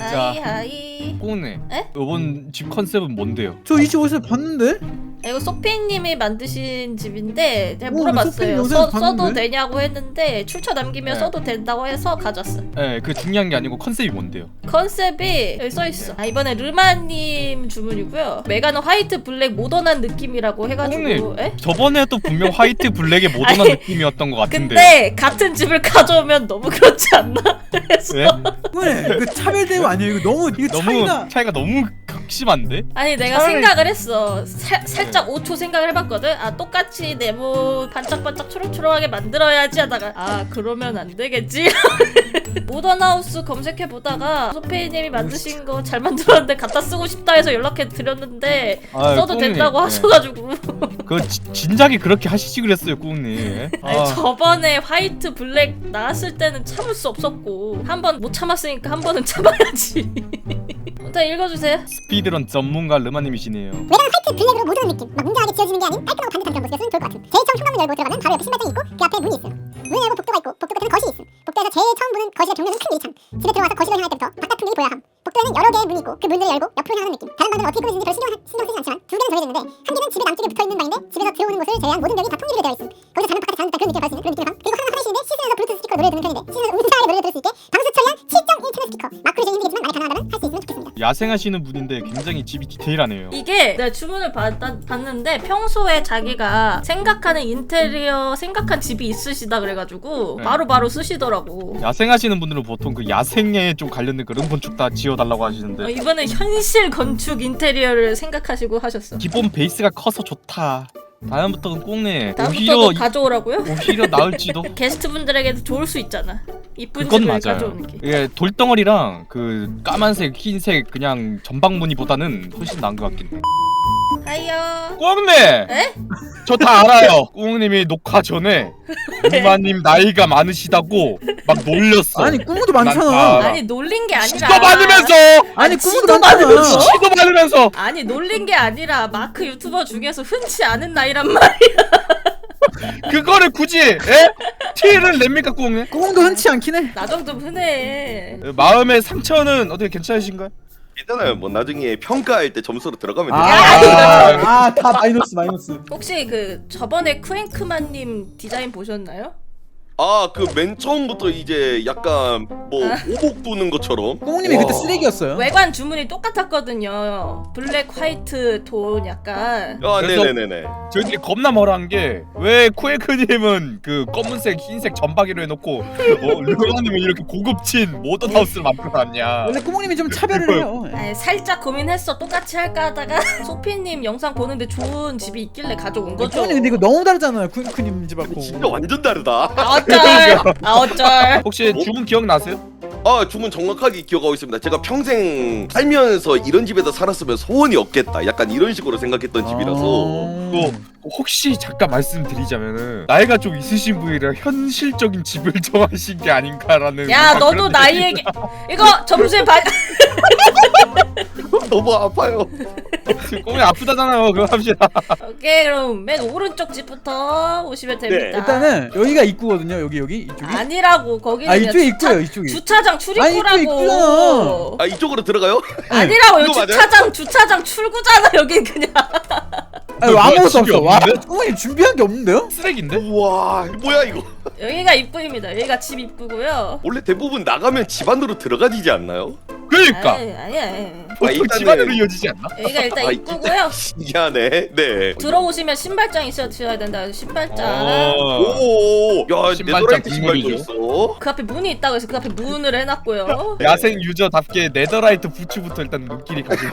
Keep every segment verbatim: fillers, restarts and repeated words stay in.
하이 자, 하이. 꼬네. 에? 이번 집 컨셉은 뭔데요? 저 이 집 어디서 봤는데? 이거 소피님이 만드신 집인데 제가 오, 소피님 물어봤어요. 요새 써, 봤는데? 써도 되냐고 했는데 출처 남기면 네. 써도 된다고 해서 가져왔어. 네, 그 중요한 게 아니고 컨셉이 뭔데요? 컨셉이 여기 써있어. 아, 이번에 르마님 주문이고요. 메가는 화이트 블랙 모던한 느낌이라고 해가지고. 형님, 에? 저번에도 분명 화이트 블랙의 모던한 아니, 느낌이었던 것 같은데. 근데 같은 집을 가져오면 너무 그렇지 않나? 그래서 왜? 네, 그 차별 대우 아니에요? 이거 너무 이거 너무 차이가. 차이가 너무 극심한데? 아니 내가 차라리- 생각을 했어. 사, 살짝 오 초 생각을 해봤거든. 아 똑같이 네모 반짝반짝 초록초록하게 만들어야지 하다가 아 그러면 안 되겠지. 모던하우스 검색해보다가 소페이님이 만드신 거 잘 만들었는데 갖다 쓰고 싶다 해서 연락해 드렸는데 아, 써도 꾸님. 된다고 네. 하셔가지고. 그 지- 진작에 그렇게 하시지 그랬어요, 꾸님. 아니, 저번에 화이트 블랙 나왔을 때는 참을 수 없었고 한 번 못 참았으니까 한 번은 참아야지. 일단 읽어주세요. 스피드런 전문가 르마님이시네요. 외관 화이트 블랙으로 모든 느낌 막 뭉장하게 지어지는 게 아닌 깔끔하고 반듯한 그런 모습이었으면 좋을 것 같은. 제일 처음 현관문 열고 들어가면 바로 옆에 신발장이 있고 그 앞에 문이 있음. 문을 열고 복도가 있고 복도 끝에는 거실이 있음. 복도에서 제일 처음 보는 거실의 벽면은 큰 유리창. 집에 들어와서 거실을 향할 때부터 바깥 풍경이 보여야 함. 복도에는 여러 개의 문이 있고 그 문들을 열고 옆으로 향하는 느낌. 다른 방들은 어떻게 꾸며지는지 별 신경, 신경 쓰지 않지만 두 개는 정해져 있는데 한 개는 집의 남쪽에 붙어있는 방인데 집에서 들어오는 곳을 제외한 모든 벽이 다 통일이 되어 있음. 거기서 장면 바깥에 자는 듯한 그런 느낌을 받을 수 있는 그런 느낌의 방. 그리고 항상 화장실인데 시즌에서 블루투스 스피커로 노래 듣는 편인데 시즌에서 음사하게 노래를 들을 수 있게 방수 처리한 칠 점 일 채널 스피커. 마크로 이제 힘들겠지만 만약 가능하다면 할 수 있으면 좋겠습니다. 야생하시는 분인데 굉장히 집이 디테일하네요. 이게 내가 주문을 받, 봤는데 평소에 자기가 생각하는 인테리어 생각한 집이 있으시다 그래가지고 네. 바로바로 쓰시더라고. 야생하시는 분들은 보통 그 야생에 좀 관련된 그런 건축 다 지어달라고 하시는데 어, 이번엔 현실 건축 인테리어를 생각하시고 하셨어. 기본 베이스가 커서 좋다. 다음부터는 꼭네 다음부터도 오히려 가져오라고요? 오히려 나을지도. 게스트분들에게도 좋을 수 있잖아. 이쁜 그건 집을 맞아요. 가져오는 게. 예, 돌덩어리랑 그 까만색, 흰색 그냥 전방무늬보다는 훨씬 나은 것 같긴 해. 하이요. 꽁네! 에? 저 다 알아요. 꽁님이 녹화 전에 누마님 나이가 많으시다고 막 놀렸어. 아니 꾸무도 난 많잖아. 다 알아. 아니 놀린 게 아니라. 시도 많으면서! 아니 지도 꾸무도 많잖아. 많으면서? 시도 많으면서! 아니 놀린 게 아니라 마크 유튜버 중에서 흔치 않은 나이란 말이야. 그거를 굳이 에? 티를 냅니까 꽁네? 꾸무도 흔치 않긴 해. 나 정도면 흔해. 마음의 상처는 어떻게 괜찮으신가요? 괜찮아요. 뭐 나중에 평가할 때 점수로 들어가면 돼요. 아다 아, 마이너스 마이너스. 혹시 그 저번에 쿠앤크만님 디자인 보셨나요? 아, 그 맨 처음부터 이제 약간 뭐 오복 도는 것처럼. 꾸무님이 와. 그때 쓰레기였어요. 외관 주문이 똑같았거든요. 블랙 화이트 톤 약간. 아, 그래서- 네네네네. 저희들이 겁나 멀한 게 왜 쿠에크님은 그 검은색, 흰색 전박이로 해놓고 어, 르마님은 이렇게 고급진 모던 하우스를 만들어놨냐? 원래 꾸무님이 좀 차별을 해요. 아니, 살짝 고민했어. 똑같이 할까 하다가 소피님 영상 보는데 좋은 집이 있길래 가져온 거죠. 꾸무님 근데 이거 너무 다르잖아요. 쿠쿠님 집하고. 진짜 완전 다르다. 아 어쩔. 아 어쩔. 혹시 주문 기억나세요? 아, 주문 정확하게 기억하고 있습니다. 제가 평생 살면서 이런 집에서 살았으면 소원이 없겠다. 약간 이런 식으로 생각했던 집이라서. 또 혹시 잠깐 말씀드리자면은 나이가 좀 있으신 분이라 현실적인 집을 정하신 게 아닌가라는. 야 그런 너도 나이 얘기. 이거 점수에 반. 너무 아파요. 지금 꿈이 아프다잖아요. 그거 합시다. 오케이 그럼 맨 오른쪽 집부터 오시면 됩니다. 네, 일단은 여기가 입구거든요. 여기 여기 이쪽이. 아니라고 거기는 아 이쪽에 주차, 입구예요. 이쪽이. 주차장 아니, 출입구라고. 이거 입구잖아. 아, 이쪽으로 들어가요? 아니라고 여기 이거 맞아요? 주차장 주차장 출구잖아 여기 그냥. 아니 뭐야, 아무것도 집이 없어. 와 없는데? 꾸무님 준비한 게 없는데요? 쓰레기인데? 우와, 이거 뭐야 이거? 여기가 입구입니다. 여기가 집 입구고요. 원래 대부분 나가면 집 안으로 들어가지지 않나요? 그러니까 아니 아니 아니. 보통 일단은- 집안으로 이어지지 않나? 여기가 일단 아, 입구고요. 미안해. 네. 들어오시면 신발장이 있어야 된다. 그래서 신발장. 어. 오, 야, 신발장 네더라이트 신발도 국물이죠. 있어. 그 앞에 문이 있다고 해서 그 앞에 문을 해놨고요. 야생 유저답게 네더라이트 부츠부터 일단 눈길이 가지네.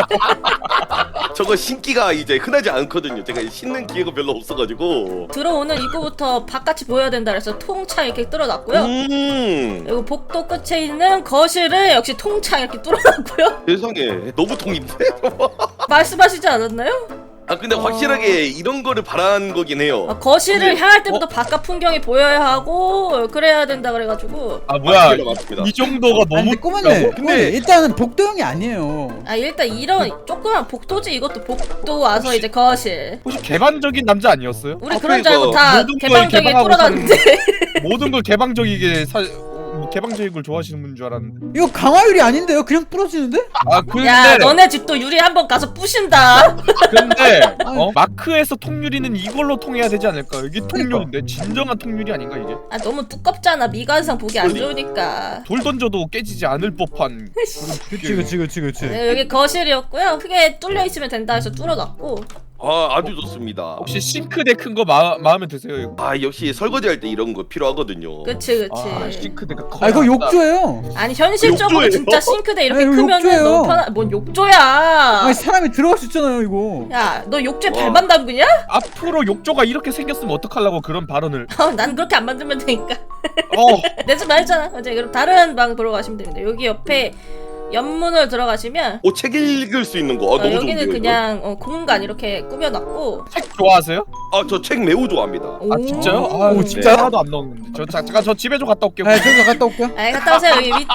저거 신기가 이제 흔하지 않거든요. 제가 신는 기회가 별로 없어가지고. 들어오는 입구부터 바깥이 보여야 된다 그래서 통창 이렇게 뚫어놨고요. 음, 그리고 복도 끝에 있는 거실을 역시 통창 이렇게 뚫어놨고요. 세상에 너무 통인데? 말씀하시지 않았나요? 아, 근데 확실하게 이런 거를 바란 거긴 해요. 아, 거실을 근데- 향할 때부터 바깥 풍경이 보여야 하고 그래야 된다 그래가지고. 아 뭐야? 맞습니다, 맞습니다. 이 정도가 아니, 너무 근데 꾸무님. 근데- 근데 일단은 복도형이 아니에요. 아 일단 이런 조그만 복도지 이것도 복도 와서 이제 거실. 혹시 개방적인 남자 아니었어요? 우리 아, 그런 줄 알고 그러니까 다 모든 걸 개방적이게 개방하고 뚫어놨는데. 모든 걸 개방적이게 사, 개방적인 걸 좋아하시는 분인 줄 알았는데. 이거 강화율이 아닌데요? 그냥 부러지는데? 아 근데 야 너네 집도 유리 한번 가서 부신다. 근데 어? 마크에서 통유리는 이걸로 통해야 되지 않을까? 이게 통유리인데 진정한 통유리 아닌가 이게? 아 너무 두껍잖아. 미관상 보기 안 좋으니까. 돌 던져도 깨지지 않을 법한. 그치 그치 그치 그치. 네, 여기 거실이었고요. 크게 뚫려 있으면 된다 해서 뚫어놨고. 아 아주 좋습니다. 혹시 싱크대 큰 거 마음에 드세요? 이거? 아 역시 설거지할 때 이런 거 필요하거든요. 그치 그치. 아 싱크대가 커. 아 이거 욕조예요. 아니 현실적으로 욕조예요? 진짜 싱크대 이렇게 아니, 이거 크면은 욕조예요. 너무 편하. 뭔 욕조야? 아니 사람이 들어갈 수 있잖아요 이거. 야 너 욕조에 와. 발만 담그냐? 앞으로 욕조가 이렇게 생겼으면 어떡하려고 그런 발언을. 어, 난 그렇게 안 만들면 되니까. 어. 내 집 말했잖아. 이제 그럼 다른 방 보러 가시면 됩니다. 여기 옆에 옆문을 들어가시면 오, 책 읽을 수 있는 거. 아, 어, 너무 여기는 좋은데요, 그냥 어, 공간 이렇게 꾸며놨고. 책 좋아하세요? 아, 저 책 매우 좋아합니다. 아 진짜요? 아 오, 진짜 진짜요? 하나도 안 넣었는데. 저 자, 잠깐 저 집에 좀 갔다 올게요. 아 저기 갔다 올게요. 아 갔다 오세요. 여기 윗,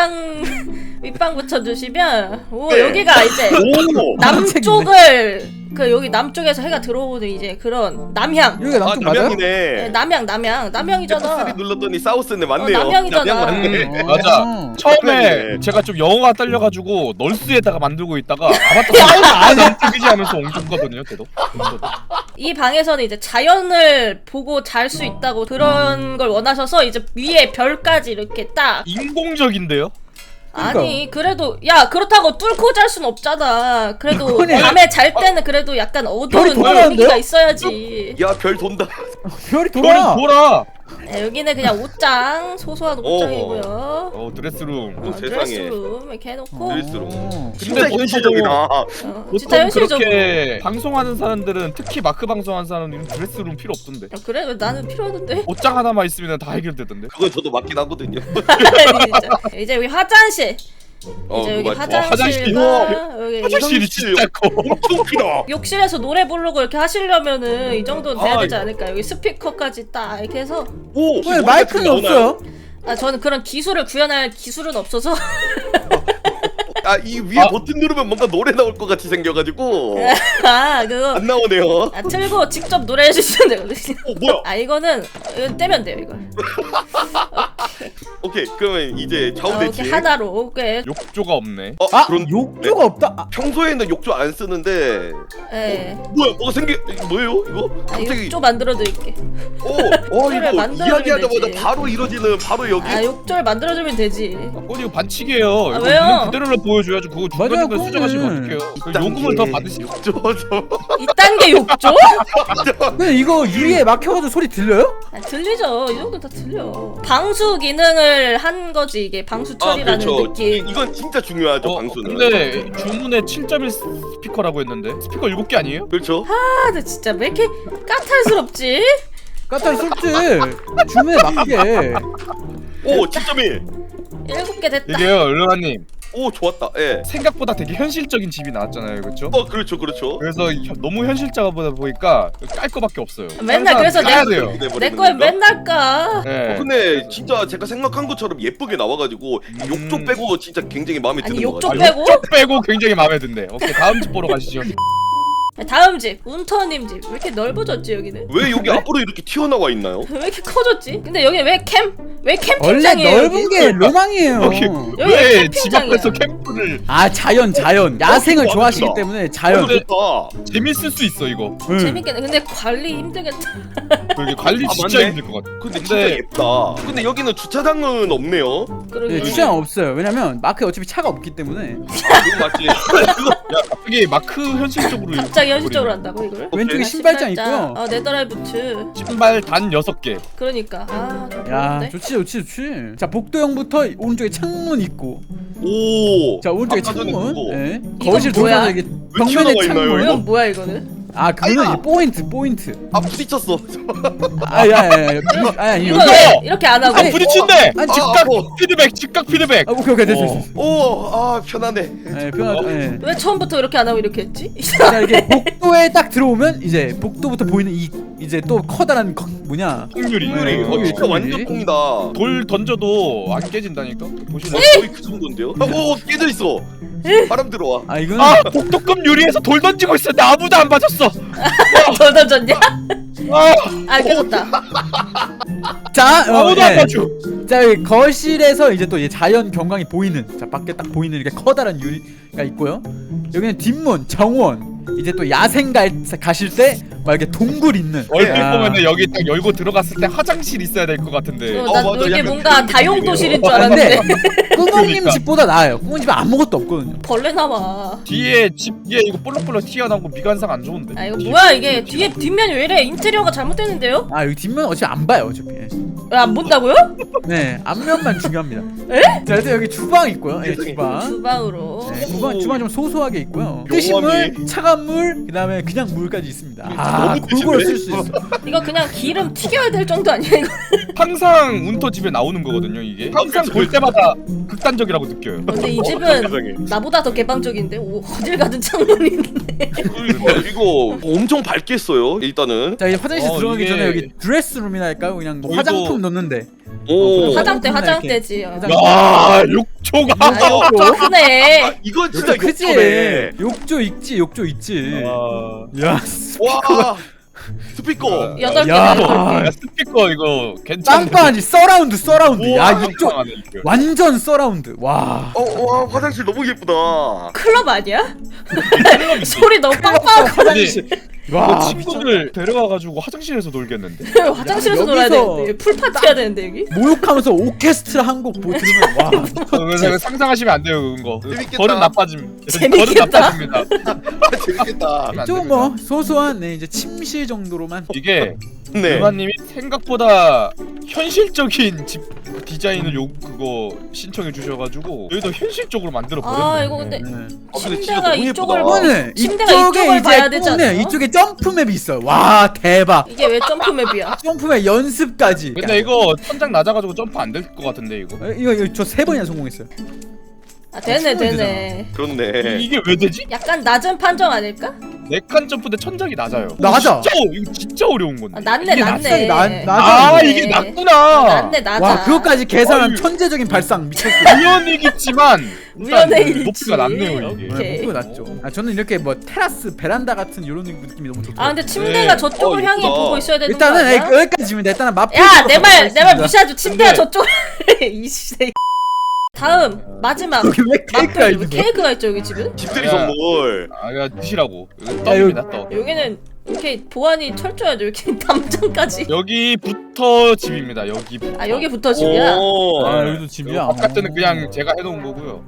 윗방 윗방 붙여주시면 오 네. 여기가 이제 오. 남쪽을 그 여기 남쪽에서 해가 들어오는 이제 그런 남향. 여기가 아, 남쪽 맞아요? 네, 남양이네. 남향 남향 남향이잖아. 에프 쓰리 눌렀더니 사우스네. 맞네요. 어, 남양이잖아. 남양 맞네. 음, 맞아. 어. 처음에 그러네. 제가 좀 영어가 딸려가지고 널스에다가 만들고 있다가 아바타 사우스 남쪽이지 하면서 옮겼거든요. 걔도. 이 방에서는 이제 자연을 보고 잘 수 있다고 그런 걸 원하셔서 이제 위에 별까지 이렇게 딱. 인공적인데요? 아니 그래도 야 그렇다고 뚫고 잘 순 없잖아. 그래도 그거네. 밤에 잘 때는 그래도 약간 어두운 별이 돌아가는데요? 분위기가 있어야지. 야, 별 돈다. 별이 돌아 돌아. 돌아. 네, 여기는 그냥 옷장 소소한 옷장이고요. 어 드레스룸. 어, 어, 세상에. 드레스룸 이렇게 해놓고 드레스룸. 어. 진짜 근데 현실적이다. 어, 보통 진짜 현실적으로. 그렇게 방송하는 사람들은 특히 마크 방송하는 사람들은 드레스룸 필요 없던데. 야, 그래 왜 나는 필요하던데. 옷장 하나만 있으면 다 해결되던데. 그건 저도 맞긴 하거든요. 진짜. 이제 여기 화장실. 어, 이제 여기 그거 맞죠. 화장실과 어, 여기 화장실이 화장실. 진짜 커. 엄청 크다. 욕실에서 노래 부르고 이렇게 하시려면은 이 정도는 돼야 아, 되지 않을까? 여기 스피커까지 딱 이렇게 해서. 오, 혹시 왜 노래 마이크는 같은 거 나오나요? 없어요? 아 저는 그런 기술을 구현할 기술은 없어서. 아, 이 위에 아. 버튼 누르면 뭔가 노래 나올 것 같이 생겨가지고 아 그거 안 나오네요. 아 틀고 직접 노래해 주시면 되거든요. 어, 뭐야? 아 이거는 이건 떼면 돼요 이걸. 오케이, 그러면 이제 좌우 아, 대치. 이렇게 하나로. 그 욕조가 없네. 어, 아 그런 욕조가 없다. 아, 평소에는 욕조 안 쓰는데 예. 뭐야? 뭐가 생겨? 이거 뭐예요? 이거 아, 갑자기 욕조 만들어 드릴게. 오, 어 욕조를 이거 만들어주면 이야기하자마자 되지. 바로 이루어지는 바로 여기. 아 욕조를 만들어 주면 되지. 어, 이거 반칙이에요. 아, 이거 왜요? 있는 그대로 보여줘야지. 그거 맞아요, 중간중간 수정하시면 그거는. 어떡해요. 그 요금을 더 받으시. 욕조 저. 이 단계 욕조? 근데 이거 유리에 막혀가지고 소리 들려요? 아, 들리죠. 이 정도 다 들려. 방수 기능을 한 거지 이게 방수 아 처리라는 그렇죠. 느낌. 이- 이건 진짜 중요하죠 어, 방수는. 근데 주문에 칠 점 일 스피커라고 했는데 스피커 일곱 개 아니에요? 그렇죠. 아, 나 진짜 왜 이렇게 까탈스럽지? 까탈 쏠지. 주문에 맞게. 오 칠 점 일. 일곱 개 됐다. 이게요, 르마님. 오 좋았다. 예. 생각보다 되게 현실적인 집이 나왔잖아요, 그렇죠? 어 그렇죠 그렇죠. 그래서 현- 너무 현실적이다 보니까 깔 거밖에 없어요. 맨날 그래서 까야 내- 돼요. 내 거에 맨날 까. 네. 어, 근데 진짜 제가 생각한 것처럼 예쁘게 나와가지고 이 음. 욕조 빼고 진짜 굉장히 마음에 아니, 드는 것 욕조 같아요. 빼고? 욕조 빼고 굉장히 마음에 든대. 오케이, 다음 집 보러 가시죠. 다음 집 운터님 집 왜 이렇게 넓어졌지 여기는? 왜 여기 앞으로 이렇게 튀어나와 있나요? 왜 이렇게 커졌지? 근데 여기 왜 캠? 왜 원래 캠핑장이에요? 넓은 여기? 게 로망이에요. 여기 여기 왜 집 캠핑장이야. 앞에서 캠프를 아 자연 자연. 야생을 어, 좋아하시기 맞다. 때문에 어, 자연. 좋다. 재밌을 수 있어 이거. 응. 재밌겠네. 근데 관리 힘들겠다. 그게 관리 아, 진짜 맞네. 힘들 것 같아. 근데 근데- 진짜 예쁘다. 근데 여기는 주차장은 없네요. 그러게. 네, 주차장 없어요. 왜냐면 마크에 어차피 차가 없기 때문에. 아, 그거 맞지? 그거 이게 마크 현실적으로 갑자기 현실적으로 한다고 이거를? 왼쪽에 아, 신발장 있고요. 어 네더라이부츠. 신발 단 여섯 개. 그러니까 아좀 야 좋은데. 좋지 좋지 좋지. 자 복도형부터 오른쪽에 창문 있고. 오. 자 오른쪽에 아까 전에 창문. 그거. 예. 이건 거실 뭐야? 들어가서 이게 왜 튀어나와 벽면에 있나요, 창문. 이거? 이건 뭐야 이거는? 아 그거는 아이고. 이제 포인트 포인트. 아 부딪혔어. 아야야야. 아니 이거 여기. 왜 이렇게 안 하고? 아 아니, 부딪힌대. 아니, 즉각 어. 피드백, 즉각 피드백. 아 오케이 오케이 됐어 됐어. 오, 아 편하네. 예 편하죠. 예. 왜 처음부터 이렇게 안 하고 이렇게 했지? 자 이게 복도에 딱 들어오면 이제 복도부터 보이는 이 이제 또 커다란 거, 뭐냐 확률이. 네, 어, 거기 진짜 거기. 완전 통이다. 돌 던져도 안 깨진다니까. 보시면. 거의 그 정도인데요? 오 깨져 있어. 바람 들어와. 아 이거는 아 복도급 유리에서 돌 던지고 있었는데 아무도 안 맞았어. 더 던졌냐? 아, 아 깨졌다. 자, 어, 아무도 안 예. 맞춰. 자 여기 거실에서 이제 또 이제 자연 경관이 보이는 자 밖에 딱 보이는 이렇게 커다란 유리가 있고요. 여기는 뒷문 정원 이제 또 야생 갈, 가실 때 막 이렇게 동굴 있는 얼핏 아. 보면은 여기 딱 열고 들어갔을 때 화장실 있어야 될 것 같은데. 어, 어, 난 맞아. 이게 약간 뭔가 그런 다용도실인 줄 아, 근데 알았는데 꾸몽님 그러니까. 집보다 나아요. 꾸몽 집에 아무것도 없거든요. 벌레 나와. 뒤에 집 뒤에 이거 볼록볼록 튀어나오고 미관상 안 좋은데. 아 이거 뭐야 이게 뒤에 뒷면이 왜 이래? 인테리어가 잘못됐는데요? 아 여기 뒷면 어차피 안 봐요 어차피. 왜 안 본다고요? 네 앞면만 중요합니다. 에? 자 일단 여기 주방 있고요. 예, 세상에. 주방. 주방으로. 네, 주방 주방 좀 소소하게 있고요. 요원이. 뜨신 물, 차가운 물, 그다음에 그냥 물까지 있습니다. 아 너무 골고루 뜨신데? 쓸 수 있어. 이거 그냥 기름 튀겨야 될 정도 아니야 이거? 항상 운터 집에 나오는 거거든요 이게. 항상 볼 때마다 극단적이라고 느껴요. 근데 이 어, 집은 세상에. 나보다 더 개방적인데 오 어딜 가든 창문이 있네. 그러니까 이거 엄청 밝게 써요 일단은. 자 이제 화장실 어, 들어가기 이게- 전에 여기 드레스룸이나 할까요? 그냥 뭐 저희도- 화장품 넣는데. 오. 화장대 화장품이나 화장대지. 어. 화장- 야 욕조가. 아 이거 크네. 이거 진짜 욕조 크지? 욕조네. 욕조 있지, 욕조 있지. 아, 야, 와 스피커. 여덟 개 야. 여덟 개. 야, 스피커 이거 괜찮네. 빵빵하지 서라운드, 서라운드. 야, 우와, 욕조 깜깜하네, 이거. 완전 서라운드. 와. 어, 와 화장실 너무 예쁘다. 클럽 아니야? 소리 너무 빵빵. 화장실. 이거 와, 친구들 데려와가지고 화장실에서 놀겠는데. 화장실에서 야, 놀아야 여기서- 되는데 풀파티 해야 되는데 여기? 모욕하면서 오케스트라 한 곡 뭐 들으면 와. 어, 그래서 상상하시면 안 돼요 그런 거. 재밌겠다. 버릇 나빠짐. 재밌겠다. 버릇 나빠집니다. 아, 재밌겠다. 안 좀 됩니다. 뭐 소소한 네 이제 침실 정도로만. 이게 네. 유마님이 생각보다 현실적인 집 디자인을 요 그거 신청해 주셔가지고 여기도 현실적으로 만들어 버렸네. 아 이거 근데 네. 아, 근데 진짜 침대가 너무 이쪽을 예쁘다. 보 이거는 침대가 이쪽에 이쪽을 이제 봐야 되지 네, 않나? 이쪽에 점프맵이 있어요. 와 대박. 이게 왜 점프맵이야? 점프맵 연습까지. 근데 이거 천장 낮아가지고 점프 안 될 것 같은데 이거. 어, 이거 이거 저 세 번이나 성공했어요. 아 되네 되네. 그렇네. 이게 왜 되지? 약간 낮은 판정 아닐까? 네 칸 점프인데 천장이 낮아요. 낮아. 진짜 어- 이거 진짜 어려운 건데. 아, 낮네 이게 낮네. 낮아요, 낮- 아 낮아요. 이게 낮구나. 낮네 낮아. 와 그것까지 계산한 어이. 천재적인 발상 미쳤어. 우연이겠지만 우연의 일단 일치. 높이가 낮네요 이게. 오케이. 네, 목표가 낮죠. 아 저는 이렇게 뭐 테라스 베란다 같은 이런 느낌이 너무 좋더라고요. 아 근데 침대가 네. 저쪽을 어, 향해 예쁘다. 보고 있어야 되는 일단은 거 아니야? 에, 여기까지입니다. 일단은 맛. 야내 말 내 말 무시하죠. 침대가 근데- 저쪽. 이 시대. 다음 마지막 여기 왜 케이크가 맛볼. 있는 거야? 케이크가 있죠 여기 집은? 집들이 야. 선물. 아 이거 드시라고. 이거 야, 떡입니다 떡. 여기는 이렇게 보안이 철저하죠. 이렇게 담장까지. 여기부터 집입니다. 여기부터. 아 여기부터 집이야. 오. 아 여기도 집이야. 바깥에는 그냥 제가 해놓은 거고요.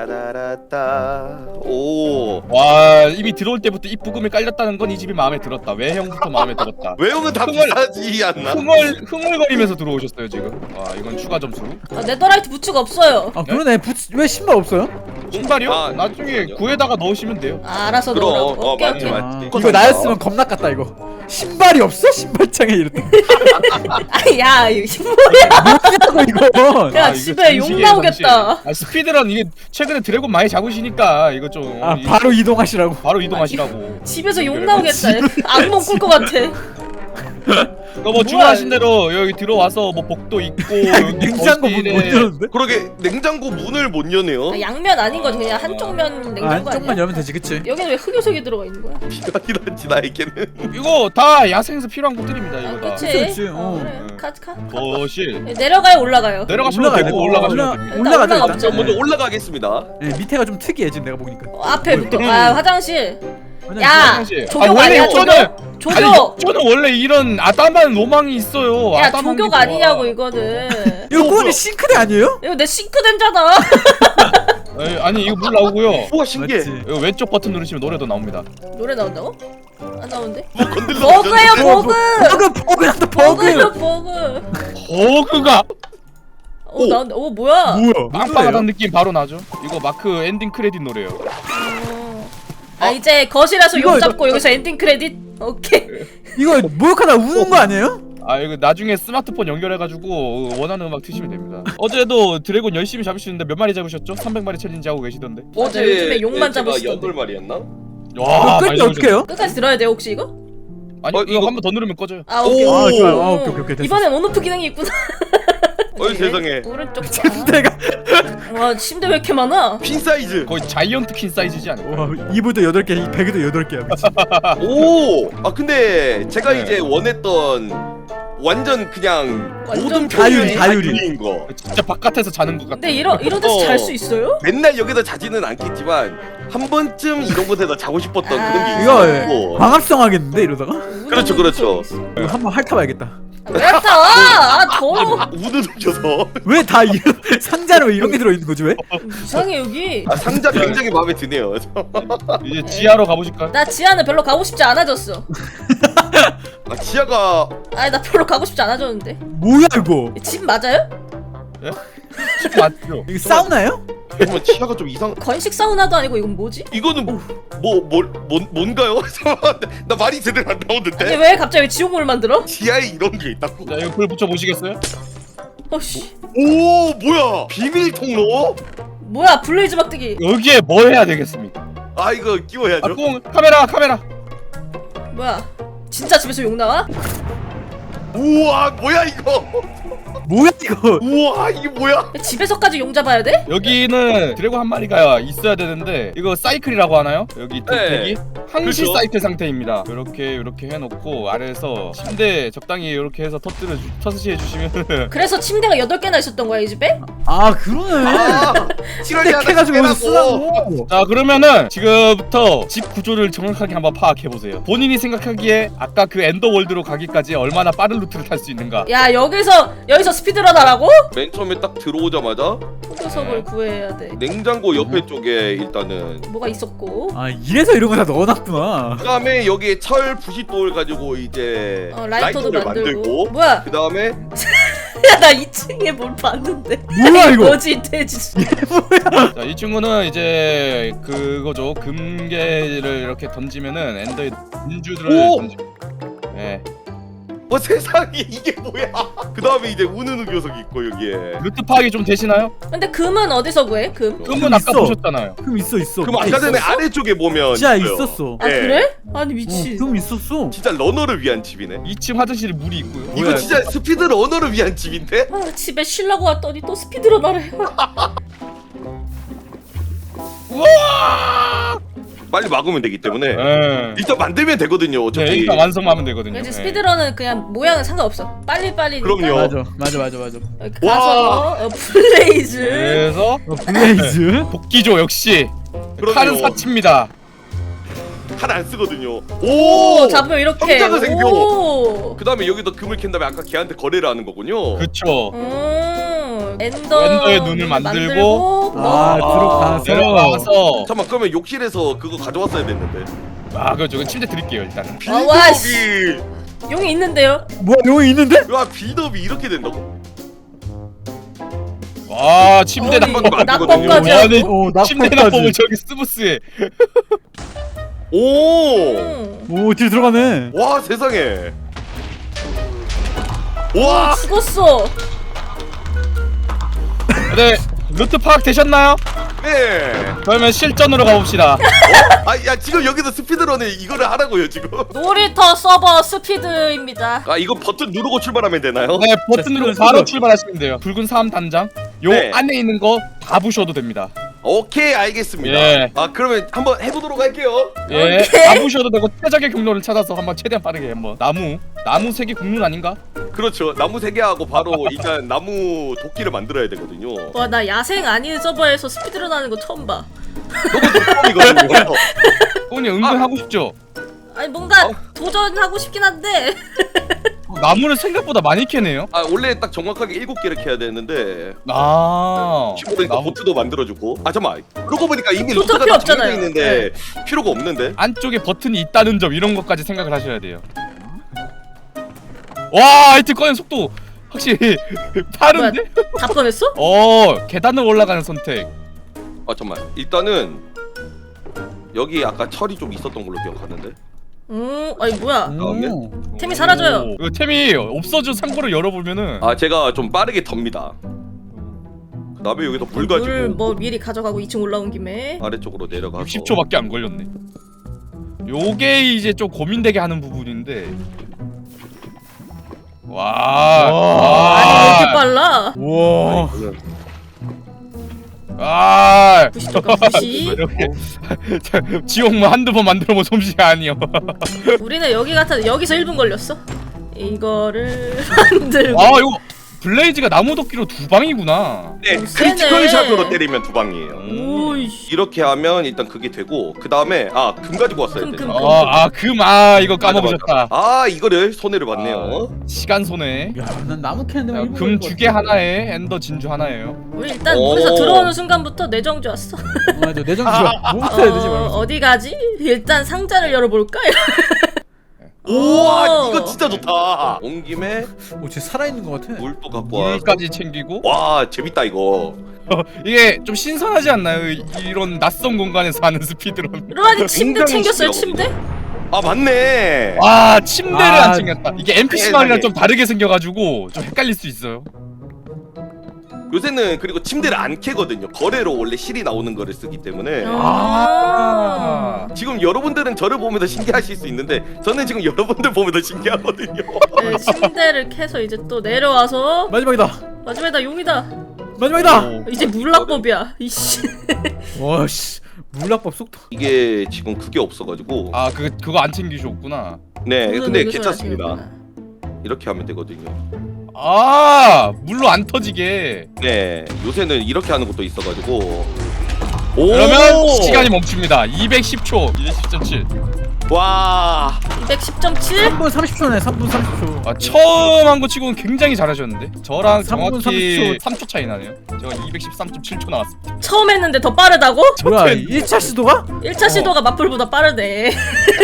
따라라라따. 오. 와 이미 들어올 때부터 이 부금이 깔렸다는 건 이 집이 마음에 들었다. 외형부터 마음에 들었다. 외형은 다 흥얼- 비싸지 않나? 흥얼 흥얼거리면서 들어오셨어요 지금. 와 이건 추가 점수. 아, 네더라이트 부츠가 없어요. 아 그러네. 부츠, 왜 신발 없어요? 신발이요? 아, 나중에 구에다가 넣으시면 돼요. 아, 알아서 그럼. 넣으라고. 어, 오케이 맞지, 오케이. 맞지. 아, 그거 이거 산다. 나였으면 겁나 깠다 이거. 신발이 없어? 신발장에 이랬다. 아야 이거 뭐냐고 이거. 야, 아, 이거 집에 욕 진실이에요, 나오겠다. 진실. 아, 스피드런 이게 최근에 드래곤 많이 잡으시니까 이거 좀 아 이- 바로 이동하시라고. 바로 이동하시라고. 집에서 욕 그래. 나오겠다. 악몽 꿀 것 같아. 그거 뭐 주문하신 대로 여기 들어와서 뭐 복도 있고 여기 냉장고 문 거실에 못 열었는데? 그러게 냉장고 문을 못 여네요. 아, 양면 아닌 거지 그냥 한쪽 면 아, 냉장고 한쪽만 아니야? 열면 되지 그치? 여기는 왜 흑요석이 들어가 있는 거야? 비단이란지 나에게는. 이거 다 야생에서 필요한 것들입니다 아, 이거 다. 그치? 그치, 그치, 어, 어. 그래. 네. 가, 가. 거실 네, 내려가요 올라가요? 내려가시면 올라가야 되고 돼. 올라가시면 올라- 됩니다. 일단 올라가자 올라가 일단. 보자. 먼저 올라가겠습니다. 네, 밑에가 좀 특이해 지금 내가 보니까. 어, 앞에부터 아 화장실. 화장실. 야 화장실. 조교 아, 원래 아니야 욕조는- 조교? 아니 조교. 저는 원래 이런 아담한 로망이 있어요. 야 아담한 게 조교가 좋아. 아니냐고 이거는. 이거 꾸원이 싱크대 아니에요? 이거 내 싱크대잖아. 에이, 아니 이거 물 나오고요. 우와 신기해. 맞지? 이거 왼쪽 버튼 누르시면 노래도 나옵니다. 노래 나온다고? 안 나오는데? 뭐 건들러. 버그예요 버그. 버그 버그 나다 버그요 버그. 버그. 버그가 어 나온다. 어 뭐야? 뭐야? 빵빵하다는 느낌 바로 나죠. 이거 마크 엔딩 크레딧 노래요. 어. 아 이제 거실에서 이거, 욕 이거- 잡고 여기서 엔딩 크레딧. 오케이. 이거 목욕하다 우는 거 아니에요? 아 이거 나중에 스마트폰 연결해가지고 원하는 음악 트시면 됩니다. 어제도 드래곤 열심히 잡으시는데 몇 마리 잡으셨죠? 삼백 마리 챌린지 하고 계시던데. 맞아, 요즘에 욕만 제가 잡으시던데. 여덟 마리였나? 와, 끌 많이 때 어떻게 해요? 끝까지 들어야 돼 혹시 이거? 아니 어, 이거, 이거- 한 번 더 누르면 꺼져요. 아 오케이. 오. 아 좋아요. 아 오케이 오케이 오케이 됐어. 이번엔 온오프 기능이 있구나. 어이 세상에. 오른쪽 봐. 침대가 와 침대 왜 이렇게 많아? 핀 사이즈. 거의 자이언트 퀸 사이즈지 않을까? 와 이불도 여덟 개, 베개도 여덟 개야. 미친. 오. 아 근데 제가 네. 이제 원했던 완전 그냥 완전 모든 자율, 표현이 자율이. 자율인 거. 진짜 바깥에서 자는 것 같아. 근데 이런 이런 데서 어. 잘 수 있어요? 맨날 여기서 자지는 않겠지만 한 번쯤 이런 곳에서 자고 싶었던 아. 그런 게 이거 있고. 광합성 하겠는데 이러다가? 그렇죠, 그렇죠. 이거 한번 핥아봐야겠다. 왜 타? 아 더러워. 우드 훔쳐서. 왜 다 이런 상자로 왜 이런 게 들어있는 거지 왜? 이상해 여기. 아, 상자 굉장히 마음에 드네요. 이제 지하로 가보실까요? 나 지하는 별로 가고 싶지 않아졌어. 아, 지하가 아니 나 별로 가고 싶지 않아졌는데. 뭐야 이거? 집 맞아요? 맞죠. 이거 사우나예요? 정말 지하가 좀 이상. 건식 사우나도 아니고 이건 뭐지? 이거는 뭐뭐 뭔 뭔가요? 잠깐만, 나 말이 제대로 안 아니 나오는데. 왜 갑자기 지옥물 만들어? 지하에 이런 게 있다고? 자 이거 불 붙여 보시겠어요? 어씨 오 뭐야? 비밀 통로? 뭐야 블레이즈 막대기. 여기에 뭐 해야 되겠습니까? 아 이거 끼워야죠. 아, 꽁 카메라 카메라. 뭐야 진짜 집에서 욕 나와? 우와 뭐야 이거? 뭐야 이거? 우와 이게 뭐야? 집에서까지 용 잡아야 돼? 여기는 드래곤 한 마리가 있어야 되는데 이거 사이클이라고 하나요? 여기 네. 대기 항시 그렇죠. 사이클 상태입니다. 이렇게 이렇게 해놓고 아래에서 침대 적당히 이렇게 해서 터뜨려 주, 터스시 해주시면 그래서 침대가 여덟 개나 있었던 거야 이 집에? 아 그러네. 아 칠월이 하나 해가지고 여기서 빼라고. 쓰라고. 자 그러면은 지금부터 집 구조를 정확하게 한번 파악해 보세요. 본인이 생각하기에 아까 그 엔더월드로 가기까지 얼마나 빠른 루트를 탈 수 있는가? 야 여기서 여기서 스피드런 하라고? 맨 처음에 딱 들어오자마자 포도석을 구해야 돼. 냉장고 옆에 쪽에 일단은. 뭐가 있었고? 아 이래서 이런 거 다 넣어놨구나. 그다음에 여기에 철 부싯돌 가지고 이제 어 라이터도 라이터를 만들고. 만들고. 뭐야? 그다음에 야 나 이 층에 뭘 봤는데. 뭐야 이거? 뭐지 돼지. 자 이 친구는 이제 그거죠. 금괴를 이렇게 던지면은 엔더의 진주들을 오! 던지. 예. 어 세상에 이게 뭐야? 그다음에 이제 우는 녀석이 있고 여기에. 루트 파악이 좀 되시나요? 근데 금은 어디서 구해? 금? 금은 아까 있어. 보셨잖아요. 금 있어 있어. 그럼 아까 전에 있었어? 아래쪽에 보면 진짜 있어요. 있었어. 아 예. 그래? 아니 미친. 어, 금 있었어. 진짜 러너를 위한 집이네. 이 층 화장실에 물이 있고요. 이거 뭐야, 진짜 스피드 러너를 위한 집인데? 아 집에 쉬려고 왔더니 또 스피드런 하래. 우와! 빨리 막으면 되기 때문에 예. 일단 만들면 되거든요. 네, 어차피. 일단 완성하면 되거든요. 왠지 예. 스피드런은 그냥 모양은 상관없어. 빨리 빨리. 그럼요. 맞아 맞아 맞아 맞아. 가서 어, 블레이즈. 그래서 어, 블레이즈. 복귀조 역시 그럼요. 칼은 사치입니다. 칼 안 쓰거든요. 오 오! 잡으면 이렇게. 성장은 생겨. 오. 그 다음에 여기다 금을 캔 다음에 아까 걔한테 거래를 하는 거군요. 그쵸. 음. 엔더. 엔더의 눈을 만들고. 아 들어가서. 내려가서 잠깐만 그러면 욕실에서 그거 가져왔어야 됐는데. 아 그죠. 그 침대 드릴게요 일단은. 아, 와, 빌드업이 용이 있는데요. 뭐야 여기 있는데? 와 빌드업이 이렇게 된다고? 와 침대 어디 낙법. 낙법까지 아니, 하고. 어 침대 낙법까지. 낙법을 저기 스무스해. 오! 음. 오 뒤로 들어가네. 와 세상에. 와! 죽었어. 네 루트 파악 되셨나요? 네. 그러면 실전으로 가봅시다. 아 야 지금 여기서 스피드런에 이거를 하라고요 지금. 놀이터 서버 스피드입니다. 아 이거 버튼 누르고 출발하면 되나요? 네 버튼 누르고 스피드, 바로 스피드. 출발하시면 돼요. 붉은 사암 단장. 요 네. 안에 있는 거 다 부셔도 됩니다. 오케이 알겠습니다. 예. 아 그러면 한번 해보도록 할게요. 예, 오케이. 다 부셔도 되고 최적의 경로를 찾아서 한번 최대한 빠르게 한번. 나무, 나무 색이 국룰 아닌가? 그렇죠. 나무 세 개 하고 바로 일단 나무 도끼를 만들어야 되거든요. 와 나 야생 아닌 서버에서 스피드런 하는 거 처음 봐. 처음이거든요. 오니 은근 아. 하고 싶죠. 아니 뭔가 어? 도전하고 싶긴 한데. 나무를 생각보다 많이 캐네요. 아 원래 딱 정확하게 일곱 개를 캐야 되는데 아, 키보드니까 나무 보트도 만들어주고. 아 잠만. 그러고 보니까 이미 보트 루트가 필요 다 정해져 없잖아요. 있는데 필요가 없는데. 안쪽에 버튼이 있다는 점 이런 것까지 생각을 하셔야 돼요. 와, 하여튼 꺼낸 속도 확실히 빠른데? 다 꺼냈어? 어, 계단을 올라가는 선택. 아 잠만. 일단은 여기 아까 철이 좀 있었던 걸로 기억하는데. 음 아니 뭐야. 오. 템이 사라져요. 오, 그 템이 없어져 창고를 열어보면은 아 제가 좀 빠르게 덥니다. 그다음에 여기서 물 가지고 물뭐 미리 가져가고 이 층 올라온 김에. 아래쪽으로 내려가서 육십 초밖에 안 걸렸네. 요게 이제 좀 고민되게 하는 부분인데. 와, 아니 왜 이렇게 와, 빨라? 우와. 아, 부시 잠깐 부시. 이렇게 지옥문 한두 번 만들어본 솜씨가 아니요. 우리는 여기 같아 여기서 일 분 걸렸어. 이거를 만들고. 아 이거 블레이즈가 나무 도끼로 두 방이구나. 네, 오, 세네. 크리티컬 샷으로 때리면 두 방이에요. 오이씨. 이렇게 하면 일단 그게 되고 그 다음에 아 금 가지고 왔어야 금, 돼. 금. 아아금아 이거 까먹으셨다. 아 이거를 손해를 봤네요. 아, 시간 손해. 야난 나무 캐는데 금 두 개 하나에 엔더 진주 하나예요. 우리 일단 오. 물에서 들어오는 순간부터 내정주 왔어. 맞아 내정 좋아. 뭐부터 해야 되지 어, 말면서. 어디 가지? 일단 상자를 열어볼까? 우와 오. 이거 진짜 좋다. 온 김에 오쟤 살아있는 것 같아. 물도 갖고 와. 물까지 챙기고. 와 재밌다 이거. 이게 좀 신선하지 않나요? 이- 이런 낯선 공간에서 하는 스피드런. 루아니 침대 굉장히 챙겼어요 신기하거든요. 침대? 아 맞네. 와 침대를 아, 안 챙겼다. 이게 엔피씨 세상에. 마을이랑 좀 다르게 생겨가지고 좀 헷갈릴 수 있어요. 요새는 그리고 침대를 안 캐거든요. 거래로 원래 실이 나오는 거를 쓰기 때문에. 아. 지금 여러분들은 저를 보면서 신기하실 수 있는데 저는 지금 여러분들 보면서 신기하거든요. 네, 침대를 캐서 이제 또 내려와서 마지막이다. 마지막이다 용이다. 마지막이다. 오. 이제 물락법이야. 이씨. 와씨 물락법 속도. 이게 지금 그게 없어가지고. 아 그 그거 안 챙기셨구나. 네, 물은 근데 여기서 괜찮습니다. 마시는구나. 이렇게 하면 되거든요. 아 물로 안 터지게. 네, 요새는 이렇게 하는 것도 있어가지고. 오! 그러면 시간이 멈춥니다. 이백십 초. 이백십 점 칠. 와. 이백십 점 칠? 삼 분 삼십 초네. 삼 분 삼십 초. 아 처음 한 거 치고는 굉장히 잘하셨는데. 저랑 삼 분 정확히 삼십 초. 삼 초 차이 나네요. 제가 이백십삼 점 칠 초 나왔습니다. 처음 했는데 더 빠르다고? 뭐야 일 차 시도가? 일 차 시도가 마플보다 빠르네.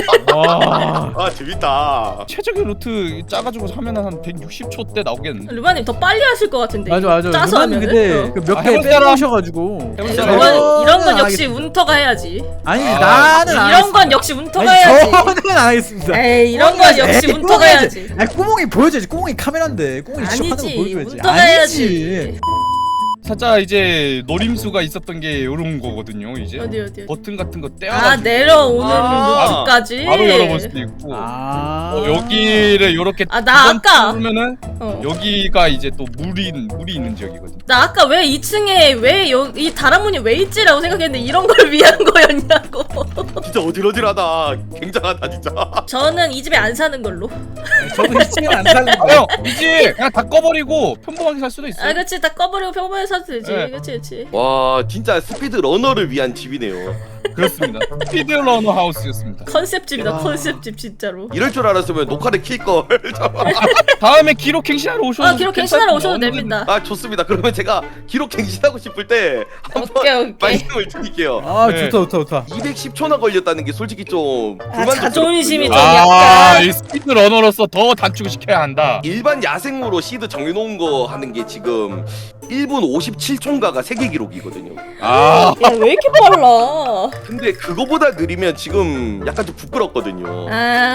와. 아, 재밌다. 최적의 루트 짜가지고 하면 한 백육십 초 때 나오겠는데. 루마님 더 빨리 하실 것 같은데. 맞아 맞아. 짜서 루마님 하면은. 근데 어. 그 몇 아, 개 해볼 사람? 빼놓으셔가지고. 해볼 네, 사람? 이건, 이런 건 저는 역시 알겠- 운터가 해야지. 아니 아, 나는 안 이런 건 하겠습니다. 역시 운터가 아니, 해야지. 저는 안 하겠습니다. 에이 이런 건 역시 에이, 운터가 꾸몽이 해야지. 아니 꾸몽이 보여줘야지. 꾸몽이 카메라인데 꾸몽이 직접 하는 거 아니지 보여줘야지. 운터가 해야지. 살짝 이제 노림수가 있었던 게 요런 거거든요. 이제 어디 어디 어디. 버튼 같은 거 아 떼어가지고 내려오는 아, 루트까지. 바로 열어볼 수도 있고. 아. 어, 여기를 요렇게 아, 나 두 번 아까- 누르면은 어. 여기가 이제 또 물이 물이 있는 지역이거든. 나 아까 왜 이 층에 왜 이 다락문이 왜 있지라고 생각했는데 이런 걸 위한 거였냐고. 진짜 어질어질하다. 굉장하다 진짜. 저는 이 집에 안 사는 걸로. 저도 이 층은 안 살는 아, 거. 형 이제 그냥 다 꺼버리고 평범하게 살 수도 있어. 아 그치 다 꺼버리고 평범하게 사도 되지. 네. 그치 그치. 와, 진짜 스피드 러너를 위한 집이네요. 그렇습니다. 스피드러너 하우스였습니다. 컨셉 집이다 와. 컨셉 집 진짜로. 이럴 줄 알았으면 녹화를 킬 걸. 다음에 기록 갱신하러 오셔도 아 기록 갱신하러 오셔도 괜찮은데. 됩니다. 아, 좋습니다. 그러면 제가 기록 갱신하고 싶을 때 한번 오케이 오케이. 말씀을 드릴게요. 아 네. 좋다 좋다 좋다. 이백십 초나 걸렸다는 게 솔직히 좀 아, 불만족스럽거든요. 자존심이 좀- 아, 약간- 이 스피드러너로서 더 단축을 시켜야 한다. 일반 야생으로 시드 정해놓은 거 하는 게 지금 일 분 오십칠 초인가가 세계 기록이거든요. 아, 야 왜 이렇게 빨라? 근데 그거보다 느리면 지금 약간 좀 부끄럽거든요. 아.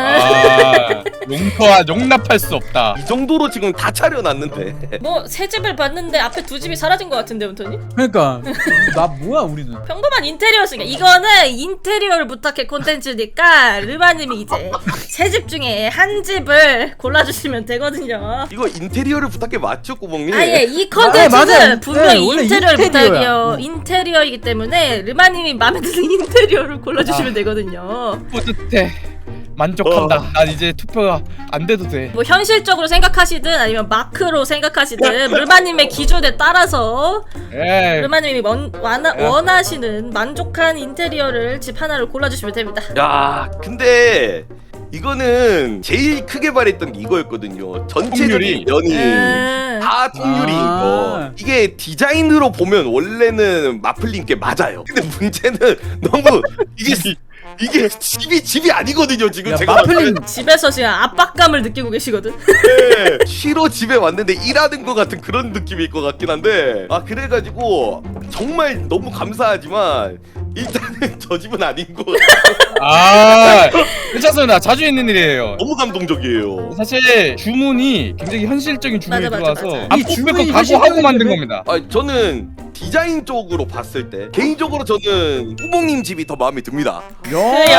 아 용서와 용납할 수 없다. 이 정도로 지금 다 차려놨는데. 뭐 새 집을 봤는데 앞에 두 집이 사라진 것 같은데 운터니? 그러니까 나 뭐야 우리는. 평범한 인테리어였으니까 이거는 인테리어를 부탁해 콘텐츠니까 르마님이 이제 세 집 중에 한 집을 골라주시면 되거든요. 이거 인테리어를 부탁해 맞죠, 꾸멍님? 아예 이 아, 맞아요. 컨텐츠는 분명히 네, 원래 인테리어를 인테리어야. 부탁해요. 음. 인테리어이기 때문에 르마님이 마음에 드는 인테리어를 골라주시면 되거든요. 뿌듯해. 만족한다. 난 이제 투표가 안 돼도 돼. 뭐 현실적으로 생각하시든 아니면 마크로 생각하시든 르마님의 기준에 따라서 예. 르마님이 원, 원하, 원하시는 만족한 인테리어를 집 하나를 골라주시면 됩니다. 야, 근데 이거는 제일 크게 말했던 게 이거였거든요. 전체적인 통유리. 면이 음. 다 통유리인 아. 거. 이게 디자인으로 보면 원래는 마플님께 맞아요. 근데 문제는 너무 이게 이게 집이 집이 아니거든요. 지금 야, 제가 마플님 집에서 지금 압박감을 느끼고 계시거든. 네, 쉬러 집에 왔는데 일하는 것 같은 그런 느낌일 것 같긴 한데 아 그래가지고 정말 너무 감사하지만 일단은 저 집은 아닌 것 같아요. 아, 괜찮습니다. 자주 있는 일이에요. 너무 감동적이에요. 사실 주문이 굉장히 현실적인 주문이 맞아, 맞아, 들어와서 맞아. 안 이 뽑을 주문이 거 각오하고 현실적인 만든 주문? 겁니다. 아 저는 디자인 쪽으로 봤을 때 개인적으로 저는 꾸몽님 집이 더 마음에 듭니다. 야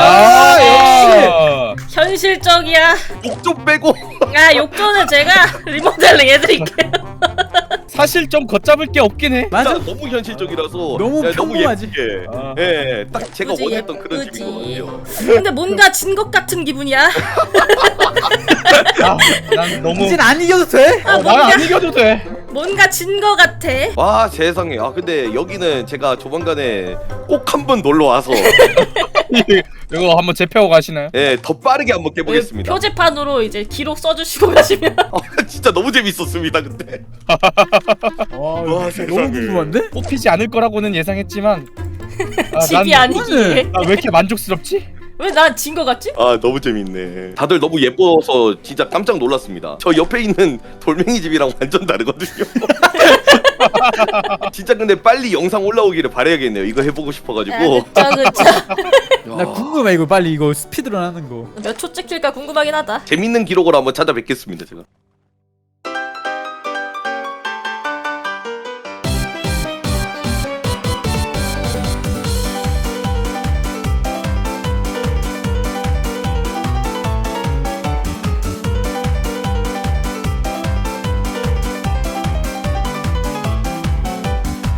아, 역시. 현실적이야. 욕 좀 빼고 아 욕조는 제가 리모델링 해드릴게요. 사실 좀 걷잡을 게 없긴 해. 맞아. 진짜 너무 현실적이라서 너무 야, 너무 평범하지. 예쁘게 아. 예, 딱 제가 그지, 원했던 그런 예쁘지. 집인 것 같아요. 근데 뭔가 진 것 같은 기분이야. 아, 난 너무 이젠 안 이겨도 돼? 아, 어, 뭔가 난안 이겨도 돼. 뭔가 진 것 같아. 와 세상에. 아 근데 여기는 제가 조만간에 꼭 한번 놀러 와서 이거 한번 재패하고 가시나요? 예, 더 빠르게 한번 깨보겠습니다. 표지판으로 이제 기록 써주시고 가시면. 아, 진짜 너무 재밌었습니다 근데. 와, 세상에. 너무 궁금한데? 뽑히지 않을 거라고는 예상했지만 아, 집이 난- 아니기에. 나 왜 이렇게 만족스럽지? 왜 난 진 것 같지? 아 너무 재밌네. 다들 너무 예뻐서 진짜 깜짝 놀랐습니다. 저 옆에 있는 돌멩이 집이랑 완전 다르거든요. 진짜 근데 빨리 영상 올라오기를 바라야겠네요. 이거 해보고 싶어가지고. 아, 그쵸 그쵸. 나 궁금해 이거 빨리 이거 스피드런 하는 거. 몇 초 찍힐까 궁금하긴 하다. 재밌는 기록으로 한번 찾아뵙겠습니다 제가.